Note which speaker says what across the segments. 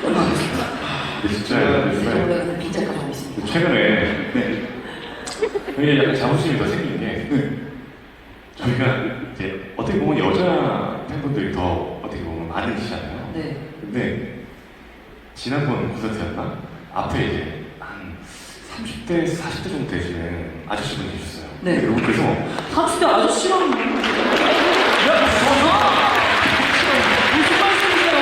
Speaker 1: 진짜
Speaker 2: 원래는 빈자까지 하고 있습니다.
Speaker 1: 최근에 굉장히 약간 자부심이 더 생긴 게 저희가 이제 어떻게 보면 여자 팬분들이 더 어떻게 보면 많으시잖아요.
Speaker 2: 네.
Speaker 1: 근데 지난번 콘서트였나? 앞에 이제 한 30대, 40대 정도 되시는 아저씨분이 계셨어요.
Speaker 2: 네.
Speaker 1: 그래서
Speaker 2: 30대 아저씨랑 야, 전화! 무슨 말씀이세요?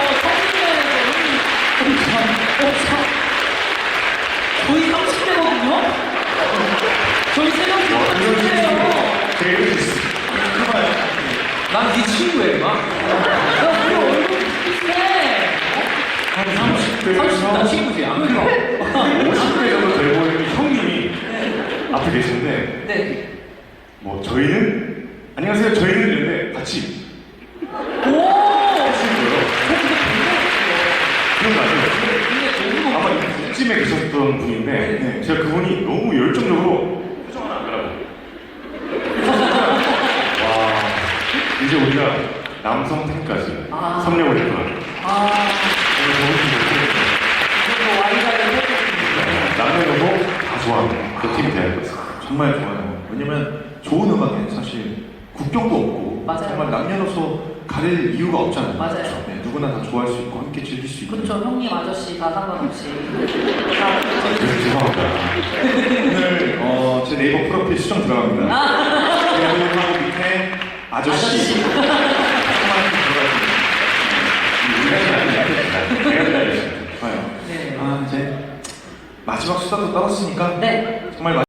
Speaker 2: 30대 저희 30대거든요? 저희 세명 중 30대예요.
Speaker 1: 되게 이렇게 있어요.
Speaker 3: 난 네 친구야, 막.
Speaker 2: 야, 우리 얼굴 비슷해.
Speaker 1: 한 30대에서
Speaker 3: 나 친구지, 안 그래?
Speaker 1: 50대 정도 돼 보이는 형님이 앞에 계시는데
Speaker 2: 네.
Speaker 1: 뭐 저희는 안녕하세요 저희는 이랬는데 같이
Speaker 2: 오!
Speaker 1: 하시는 거예요. 그런 거 아니에요?
Speaker 2: 근데 너무
Speaker 1: 아마 이쯤에 계셨던 분인데 제가 그분이 너무 열정적으로 표정을 안 하라고 와 이제 우리가 남성 팬까지
Speaker 2: 아.
Speaker 1: 섭렵을 했구나.
Speaker 2: 아,
Speaker 1: 오늘 좋은
Speaker 2: 이거 와이가를 해줬습니다.
Speaker 1: 남녀노소 다 좋아하는 그 팀이 되는 거죠.
Speaker 4: 정말 좋아요. 왜냐면 좋은 음악에 사실 국경도 없고
Speaker 2: 맞아요.
Speaker 4: 정말 남녀노소 가릴 이유가 없잖아요.
Speaker 2: 맞아요.
Speaker 4: 그렇죠? 네, 누구나 다 좋아할 수 있고 함께 즐길 수 있고.
Speaker 2: 그렇죠. 형님, 아저씨 다 상관없이.
Speaker 1: 죄송합니다.
Speaker 4: 오늘 제 네이버 프로필 수정 들어갑니다. 배우하고 밑에 아저씨. 좋아요.
Speaker 2: 네.
Speaker 4: 이제 마지막 수다도 떨었으니까
Speaker 2: 네.
Speaker 4: 정말